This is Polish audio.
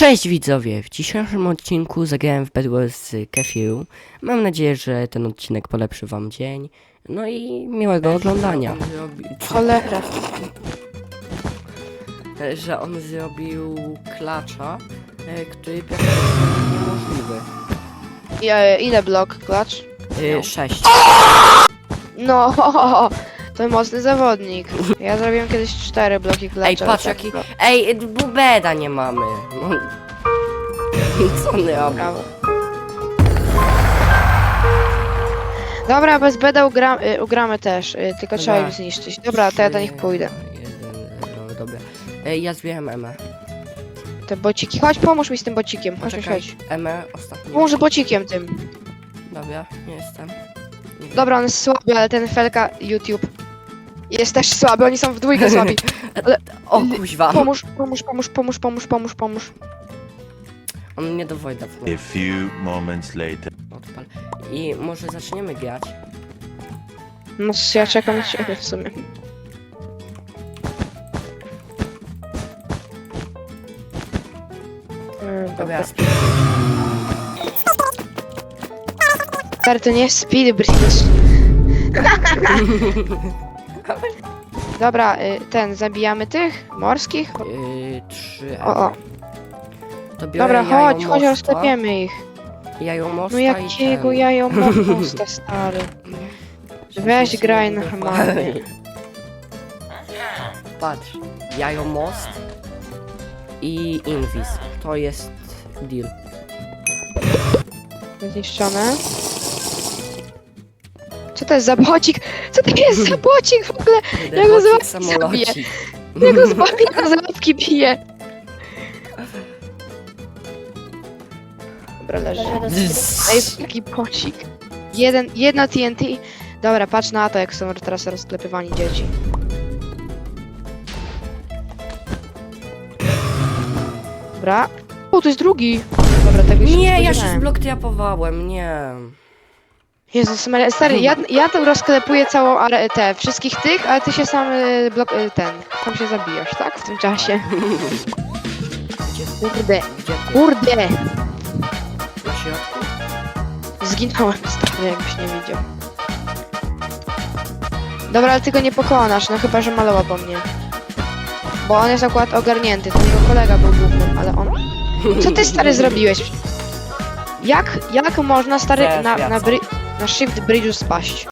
Cześć widzowie! W dzisiejszym odcinku zagrałem w Bed Wars z Kefiru. Mam nadzieję, że ten odcinek polepszy wam dzień. No i miłego oglądania. Cholera. Że on zrobił klacza, który praktycznie jest niemożliwy. Ile blok klacz? 6. No, to mocny zawodnik. Ja zrobiłem kiedyś 4 bloki klacza. Ej, patrz tak, jaki... no. Ej, bubeda nie mamy. No. Co on robi? Brawo. Dobra, bez beda ugramy też, tylko trzeba Dobra. ich zniszczyć. Dobra, to ja do nich pójdę. 1-0, dobra. Ja zbieram Emę. Te bociki, chodź pomóż mi z tym bocikiem, chodź, Poczekaj, chodź. Emę ostatnio. Pomóż bocikiem tym. Dobra, nie jestem. Dobra, on jest słaby, ale ten Felka YouTube jest też słaby, oni są w dwójkę słabi. Ale O kuźwa. Pomóż. On mnie do Wojda A wpływa. few moments later. Odpal. I może zaczniemy grać. No ja czekam na ciebie w sumie. Dobra, Stary, to nie jest speed bridge. Dobra, zabijamy tych morskich. 3 O. To biorę Dobra, chodź, jajomostwa, rozklepiemy ich. Jajomostwa No i jakiego ten. jajomosta, stary. Weź graj normalnie. Patrz, jajomost i invis. To jest deal. Zniszczone. Co to jest za bocik? Co to jest za bocik w ogóle? Ja go Bocik, zabiję. samolocik. Ja go zbawię, ja go z łapki biję. Dobra, leży. Ej, taki bocik. Jedno TNT. Dobra, patrz na to, jak są teraz rozklepywani dzieci. Dobra. O, to jest drugi. Dobra, tego się Nie, ja się spodziewałem. zbloktyapowałem, nie. Jezus Maria, stary, ja tam rozklepuję całą wszystkich tych, ale ty się sam tam się zabijasz, tak? W tym czasie. Kurde, Gdzie ty? kurde! Na środku? Zginąłem, stary, jakbyś nie widział. Dobra, ale ty go nie pokonasz, no chyba, że malowa po mnie. Bo on jest akurat ogarnięty, to jego kolega był głównym, ale on... Co ty, stary, zrobiłeś? Jak można, stary, Zaraz wracam. na shift bridge'u spaść?